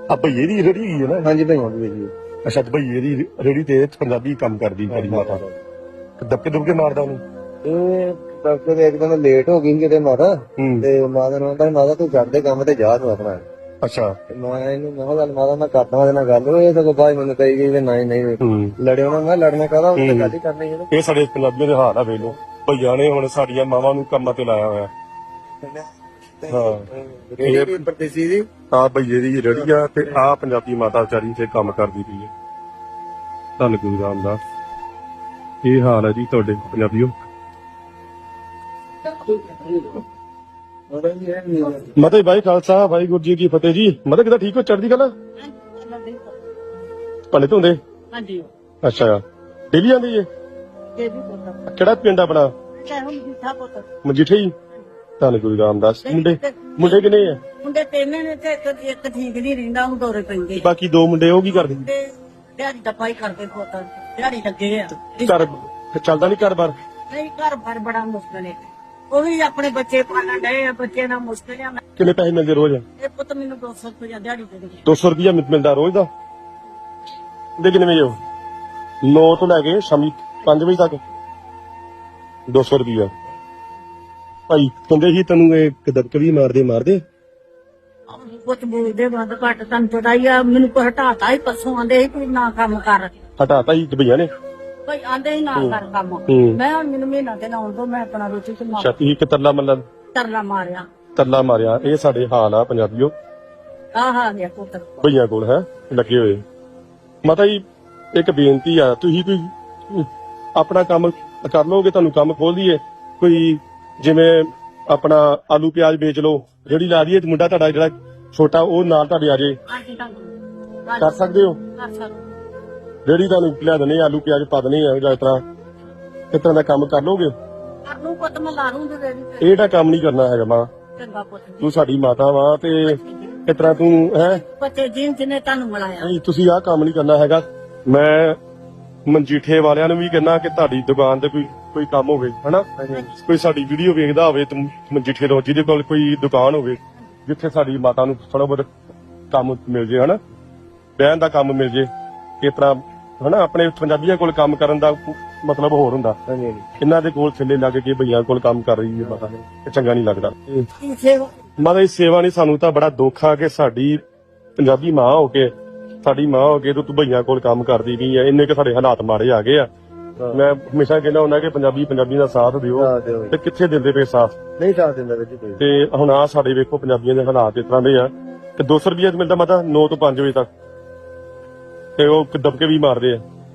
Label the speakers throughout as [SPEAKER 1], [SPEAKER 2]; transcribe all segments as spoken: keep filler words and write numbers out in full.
[SPEAKER 1] ਆ ਭਈਏ ਦੀ ਰੇੜੀ ਹੈਗੀ ਹੈ ਨਾ?
[SPEAKER 2] ਹਾਂਜੀ ਭਈਆਂ ਦੀ ਜੀ।
[SPEAKER 1] ਅੱਛਾ ਤੇ ਭਈਏ ਦੀ ਰੇੜੀ ਤੇ ਪੰਜਾਬੀ ਕੰਮ ਕਰਦੀ ਤੇਰੀ ਮਾਤਾ ਦਬਕੇ ਦੁਬਕੇ ਮਾਰਦਾ ਉਹਨੂੰ?
[SPEAKER 2] ਇਹ ਡਾਕਟਰ ਦੇ ਇੱਕਦਮ ਲੇਟ ਹੋ ਗਈ ਸੀ ਕਿਤੇ ਮਾਤਾ
[SPEAKER 1] ਹੂੰ।
[SPEAKER 2] ਤੇ ਮਾਤਾ ਨੂੰ ਕਹਿੰਦਾ ਮਾਤਾ ਤੂੰ ਕਰਦੇ ਕੰਮ ਤੇ ਜਾ ਤੂੰ ਆਪਣਾ।
[SPEAKER 1] ਅੱਛਾ।
[SPEAKER 2] ਤੇ ਮੈਂ ਇਹਨੂੰ ਮੈਂ ਕਿਹਾ ਗੱਲ ਮਾਤਾ ਮੈਂ ਕਰਦਾ ਉਹਦੇ ਨਾਲ ਗੱਲ। ਉਹ ਇਹ ਸਗੋਂ ਬਾਅਦ ਮੈਨੂੰ ਕਹੀ ਗਈ ਵੀ ਨਹੀਂ ਨਹੀਂ
[SPEAKER 1] ਹੂੰ।
[SPEAKER 2] ਲੜਿਓ ਨਾ। ਮੈਂ ਲੜਨਾ ਕਾਹਦਾ, ਉਹਨੇ ਗੱਲ ਹੀ ਕਰਨੀ ਹੈ।
[SPEAKER 1] ਇਹ ਸਾਡੇ ਪੰਜਾਬੀਆਂ ਦੇ ਹਾਲ ਆ ਵੇਖ ਲੋ, ਭਈਆਂ ਨੇ ਹੁਣ ਸਾਡੀਆਂ ਮਾਵਾਂ ਨੂੰ ਕੰਮਾਂ ਤੇ ਲਾਇਆ ਹੋਇਆ। ਹਾਂ
[SPEAKER 2] ਰੇੜੀ ਪਰਦੇਸੀ ਦੀ
[SPEAKER 1] ਆ ਭਈਏ ਦੀ ਰੇੜੀ ਆ ਤੇ ਆ ਪੰਜਾਬੀ ਮਾਤਾ ਵਿਚਾਰੀ ਤੇ ਕੰਮ ਕਰਦੀ ਪਈ ਹੈ। ਧੰਨ ਗੁਰੂ ਰਾਮਦਾਸ। ਇਹ ਹਾਲ ਹੈ ਜੀ ਤੁਹਾਡੇ ਪੰਜਾਬੀਓ। ਮਤਲਬ ਭਾਈ ਖਾਲਸਾ ਵਾਹਿਗੁਰੂ ਜੀ ਕੀ ਫਤਿਹ ਜੀ। ਮਤਲਬ ਕਿਦਾਂ ਠੀਕ ਹੋ? ਚੜ੍ਹਦੀ ਕਲਾ? ਭਲੇ ਧੁੰਦੇ?
[SPEAKER 3] ਹਾਂਜੀ।
[SPEAKER 1] ਅੱਛਾ ਡੇਲੀ ਆਂਦੀ ਏ? ਕਿਹੜਾ ਪਿੰਡ ਆਪਣਾ? ਮਜੀਠੇ ਹੀ। ਧੰਨ ਗੁਰੂ ਰਾਮਦਾਸ। ਮੁੰਡੇ ਮੁੰਡੇ ਕਿੰਨੇ ਆ?
[SPEAKER 3] ਮੁੰਡੇ ਤਿੰਨ ਨੇ ਤੇ ਇੱਕ ਇੱਕ ਠੀਕ ਨਹੀਂ ਰਹਿੰਦਾ, ਉਹਨੂੰ ਦੌਰੇ ਪੈਂਦੇ।
[SPEAKER 1] ਬਾਕੀ ਦੋ ਮੁੰਡੇ ਉਹ ਕੀ ਕਰਦੇ?
[SPEAKER 3] ਤੇ ਦਿਹਾੜੀ ਦਾ ਪਾਈ ਕਰਦੇ ਪੁੱਤ, ਦਿਹਾੜੀ ਲੱਗੇ ਆ।
[SPEAKER 1] ਘਰ ਚੱਲਦਾ ਨਹੀਂ ਘਰ ਬਾਰ?
[SPEAKER 3] ਨਹੀਂ ਘਰ ਬਾਰ ਬੜਾ ਮੁਸ਼ਕਲ ਹੈ। ਉਹ ਵੀ ਆਪਣੇ ਬੱਚੇ ਪਾਲਣ ਡਏ ਆ, ਬੱਚੇ ਨਾਲ ਮੁਸ਼ਕਲ ਆ।
[SPEAKER 1] ਕਿੰਨੇ ਪੈਸੇ ਮਿਲਦੇ ਰੋਜ਼?
[SPEAKER 3] ਇਹ ਪੁੱਤ ਮੈਨੂੰ ਦੋ ਸੌ ਰੁਪਇਆ ਦਿਹਾੜੀ ਦੇ ਦੇ।
[SPEAKER 1] ਦੋ ਸੌ ਰੁਪਇਆ ਮਿਲਦਾ ਰੋਜ਼ ਦਾ? ਦੇ ਕਿੰਨੇ ਵਜੇ? ਨੌ ਤੋਂ ਲੈ ਕੇ ਸ਼ਾਮੀ ਪੰਜ ਵਜੇ ਤੱਕ ਦੋ ਸੌ ਰੁਪਇਆ। ਭਾਈ ਕਹਿੰਦੇ ਸੀ ਤੈਨੂੰ ਇਹ ਦਬਕੇ ਵੀ ਮਾਰਦੇ ਮਾਰਦੇ?
[SPEAKER 3] ਕੁਛ ਬੋਲਦੇ ਵੱਧ ਘੱਟ, ਤੁਹਾਨੂੰ ਪਤਾ ਹੀ ਆ। ਮੈਨੂੰ ਕੋਈ ਹਟਾਤਾ ਹੀ ਪਰਸੋਂ, ਆਂਦੇ ਸੀ ਕੋਈ ਨਾ ਕੰਮ ਕਰ।
[SPEAKER 1] ਹਟਾਤਾ ਹੀ ਭਈਆ ਨੇ?
[SPEAKER 3] ਭਾਈ ਆਂਦੇ ਹੀ ਨਾ ਕਰ ਕੰਮ।
[SPEAKER 1] ਹੂੰ।
[SPEAKER 3] ਮੈਂ ਹੁਣ ਮੈਨੂੰ ਮਹੀਨਾ ਤੇ ਲਾਉਣ ਤੋਂ ਮੈਂ ਆਪਣਾ ਰੋਟੀ ਤੇ ਮਾਰ
[SPEAKER 1] ਛਾਤੀ ਇੱਕ ਤਰਲਾ ਮੱਲਨ
[SPEAKER 3] ਤਰਲਾ ਮਾਰਿਆ।
[SPEAKER 1] ਤਰਲਾ ਮਾਰਿਆ। ਇਹ ਸਾਡੇ ਹਾਲ ਆ ਪੰਜਾਬੀਓ।
[SPEAKER 3] ਆਹ ਆ ਗਿਆ ਪੁੱਤ
[SPEAKER 1] ਭਈਆਂ ਕੋਲ ਹੈ ਲੱਗੇ ਹੋਏ। ਮਾਤਾ ਜੀ ਇੱਕ ਬੇਨਤੀ ਆ, ਤੁਸੀਂ ਕੋਈ ਆਪਣਾ ਕੰਮ ਕਰ ਲੋਗੇ, ਤੁਹਾਨੂੰ ਕੰਮ ਖੋਲ ਦਈਏ ਕੋਈ, ਜਿਵੇਂ ਆਪਣਾ ਆਲੂ ਪਿਆਜ਼ ਵੇਚ ਲਓ, ਜਿਹੜੀ ਲਾ ਦਈਏ, ਮੁੰਡਾ ਤੁਹਾਡਾ ਜਿਹੜਾ ਛੋਟਾ ਉਹ ਨਾਲ ਤੁਹਾਡੇ ਆ ਜੇ,
[SPEAKER 3] ਹਾਂਜੀ ਤੁਹਾਨੂੰ
[SPEAKER 1] ਕਰ ਸਕਦੇ ਹੋ?
[SPEAKER 3] ਕਰ ਸਕਦੇ।
[SPEAKER 1] ਜਿਹੜੀ ਤੁਹਾਨੂੰ ਲਿਆ ਦਨੇ ਆਲੂ ਪਿਆਜ਼ ਪਾ ਦਨੇ ਆ, ਜਾਂ ਇਸ ਤਰ੍ਹਾਂ ਇਸ ਤਰ੍ਹਾਂ ਦਾ ਕੰਮ ਕਰ ਲੋਗੇ?
[SPEAKER 3] ਕਰ ਲੂ ਪੁੱਤ, ਮੈਂ ਲਾ ਲੂੰਗੀ ਰੇੜੀ ਤੇ।
[SPEAKER 1] ਇਹਦਾ ਕੰਮ ਨਹੀਂ ਕਰਨਾ ਹੈਗਾ ਮਾਂ,
[SPEAKER 3] ਚੰਗਾ ਪੁੱਤ।
[SPEAKER 1] ਤੂੰ ਸਾਡੀ ਮਾਤਾ ਵਾ ਤੇ ਇਸ ਤਰ੍ਹਾਂ ਤੂੰ ਹੈ
[SPEAKER 3] ਬੱਚੇ ਜਿਨ ਜਿਹਨੇ ਤੁਹਾਨੂੰ ਮਿਲਾਇਆ।
[SPEAKER 1] ਨਹੀਂ, ਤੁਸੀਂ ਆਹ ਕੰਮ ਨਹੀਂ ਕਰਨਾ ਹੈਗਾ। ਮੈਂ ਮਨਜੀਠੇ ਵਾਲਿਆਂ ਨੂੰ ਵੀ ਕਹਿੰਦਾ ਕਿ ਤੁਹਾਡੀ ਦੁਕਾਨ ਤੇ ਕੋਈ ਕੋਈ ਕੰਮ ਹੋਵੇ, ਹਨਾ, ਕੋਈ ਸਾਡੀ ਵੀਡੀਓ ਵੇਖਦਾ ਹੋਵੇ ਤੇ ਮਨਜੀਠੇ ਤੋਂ, ਜਿਹਦੇ ਕੋਲ ਕੋਈ ਦੁਕਾਨ ਹੋਵੇ ਜਿੱਥੇ ਸਾਡੀ ਮਾਤਾ ਨੂੰ ਥੋੜਾ ਬਹੁਤ ਕੰਮ ਮਿਲ ਜੇ, ਹਨਾ, ਬਹਿਣ ਦਾ ਕੰਮ ਮਿਲ ਜੇ, ਇਸ ਤਰ੍ਹਾਂ ਹਨਾ। ਆਪਣੇ ਪੰਜਾਬੀਆਂ ਕੋਲ ਕੰਮ ਕਰਨ ਦਾ ਮਤਲਬ ਹੋਰ ਹੁੰਦਾ। ਇਹਨਾਂ ਦੇ ਕੋਲ ਥੱਲੇ ਲੱਗ ਕੇ ਭਈਆਂ ਕੋਲ ਕੰਮ ਕਰ ਰਹੀ ਹੈ ਮਾਤਾ ਨੇ, ਇਹ ਚੰਗਾ ਨਹੀਂ ਲੱਗਦਾ। ਮਾਤਾ ਦੀ ਸੇਵਾ ਨਹੀਂ, ਸਾਨੂੰ ਤਾਂ ਬੜਾ ਦੁੱਖ ਆ ਕਿ ਸਾਡੀ ਪੰਜਾਬੀ ਮਾਂ ਹੋ ਕੇ, ਸਾਡੀ ਮਾਂ ਹੋ ਕੇ ਤੂੰ ਭਈਆਂ ਕੋਲ ਕੰਮ ਕਰਦੀ ਨਹੀਂ ਹੈ। ਇੰਨੇ ਕਿ ਸਾਡੇ ਹਾਲਾਤ ਮਾੜੇ ਆ ਗਏ ਆ। ਮੈਂ ਹਮੇਸ਼ਾ ਕਹਿੰਦਾ ਹੁੰਦਾ ਕਿ ਪੰਜਾਬੀ ਪੰਜਾਬੀ ਦਾ ਸਾਥ ਦਿਓ, ਤੇ ਕਿੱਥੇ ਦਿੰਦੇ ਪਏ ਸਾਥ?
[SPEAKER 2] ਨਹੀਂ ਸਾਥ ਦਿੰਦਾ ਵਿੱਚ ਕੋਈ।
[SPEAKER 1] ਤੇ ਹੁਣ ਆ ਸਾਡੇ ਵੇਖੋ ਪੰਜਾਬੀਆਂ ਦੇ ਹਾਲਾਤ ਇਸ ਤਰ੍ਹਾਂ ਦੇ ਆ ਤੇ ਦੋ ਸੌ ਰੁਪਇਆ ਮਿਲਦਾ ਮਾਤਾ ਨੌ ਤੋਂ ਪੰਜ ਵਜੇ ਤੱਕ, ਤੇ ਉਹ ਦਬਕੇ ਵੀ ਮਾਰਦੇ ਆ,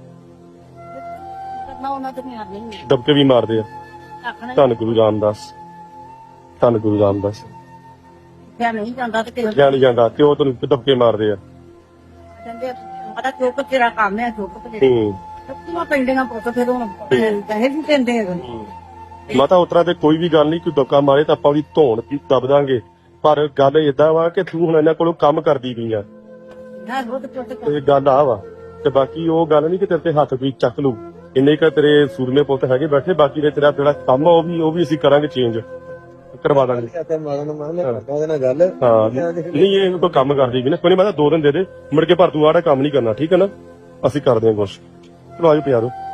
[SPEAKER 3] ਕਰਨਾ ਉਹਨਾਂ ਤੇ ਮਿਆਰ ਨਹੀਂ
[SPEAKER 1] ਦਬਕੇ ਵੀ ਮਾਰਦੇ ਆ।
[SPEAKER 3] ਆਖਣਾ
[SPEAKER 1] ਧੰਨ ਗੁਰੂ ਰਾਮਦਾਸ, ਧੰਨ ਗੁਰੂ ਰਾਮਦਾਸ।
[SPEAKER 3] ਕਿਆ ਨਹੀਂ ਜਾਂਦਾ ਤੇ ਕਿਹਾ
[SPEAKER 1] ਕਿਹਾ ਨਹੀਂ ਜਾਂਦਾ ਤੇ ਉਹ ਤੈਨੂੰ ਦਬਕੇ ਮਾਰਦੇ ਆ।
[SPEAKER 3] ਕਹਿੰਦੇ ਮਾਤਾ ਚੁੱਕ ਤੇਰਾ ਕੰਮ ਹੈ, ਚੁੱਕ ਤੇ
[SPEAKER 1] ਹੂੰ।
[SPEAKER 3] ਸੱਤੀਆਂ ਪਿੰਡੀਆਂ ਪੁੱਤ ਫਿਰ ਹੁਣ ਪੈਸੇ ਵੀ ਦਿੰਦੇ ਆ।
[SPEAKER 1] ਮਾਤਾ ਉਤਰਾ ਤੇ ਕੋਈ ਵੀ ਗੱਲ ਨਹੀਂ, ਕੋਈ ਦਬਕਾ ਮਾਰੇ ਤਾਂ ਆਪਾਂ ਉਹਦੀ ਧੌਣ ਵੀ ਦਬ ਦਾਂਗੇ, ਪਰ ਗੱਲ ਏਦਾਂ ਵਾ ਕਿ ਤੂੰ ਹੁਣ ਇਹਨਾਂ ਕੋਲੋਂ ਕੰਮ ਕਰਦੀ ਪਈ ਆ,
[SPEAKER 3] ਨਾ ਰੋਟ ਚੁੱਕ
[SPEAKER 1] ਤੇ ਗੱਲ ਆ ਵਾ। ਤੇ ਬਾਕੀ ਉਹ ਗੱਲ ਨਹੀਂ ਕਿ ਤੇਰੇ ਤੇ ਹੱਥ ਕੋਈ ਚੱਕ ਲੂ, ਇੰਨੇ ਕ ਤੇਰੇ ਸੂਰਮੇ ਪੁੱਤ ਹੈਗੇ ਬੈਠੇ, ਬਾਕੀ ਦੇ ਤੇਰਾ ਜਿਹੜਾ ਕੰਮ ਆ ਉਹ ਵੀ ਉਹ ਵੀ ਅਸੀਂ ਕਰਾਂਗੇ, ਚੇਂਜ ਕਰਵਾ ਦਾਂਗੇ।
[SPEAKER 2] ਤੇ ਮਾਤਾ ਨੂੰ ਮੈਂ ਕਰਦਾ ਉਹਦੇ ਨਾਲ ਗੱਲ।
[SPEAKER 1] ਹਾਂ ਨਹੀਂ, ਇਹ ਕੋਈ ਕੰਮ ਕਰਦੀ ਵੀ ਨਾ, ਕੋਈ ਨਹੀਂ, ਮੈਂ ਤਾਂ ਦੋ ਦਿਨ ਦੇ ਦੇ ਮੁੜ ਕੇ, ਪਰ ਤੂੰ ਆੜਾ ਕੰਮ ਨਹੀਂ ਕਰਨਾ, ਠੀਕ ਹੈ ਨਾ? ਅਸੀਂ ਕਰਦੇ ਹਾਂ ਕੁਛ। ਚਲੋ ਆਜੋ ਪਿਆਰੋ।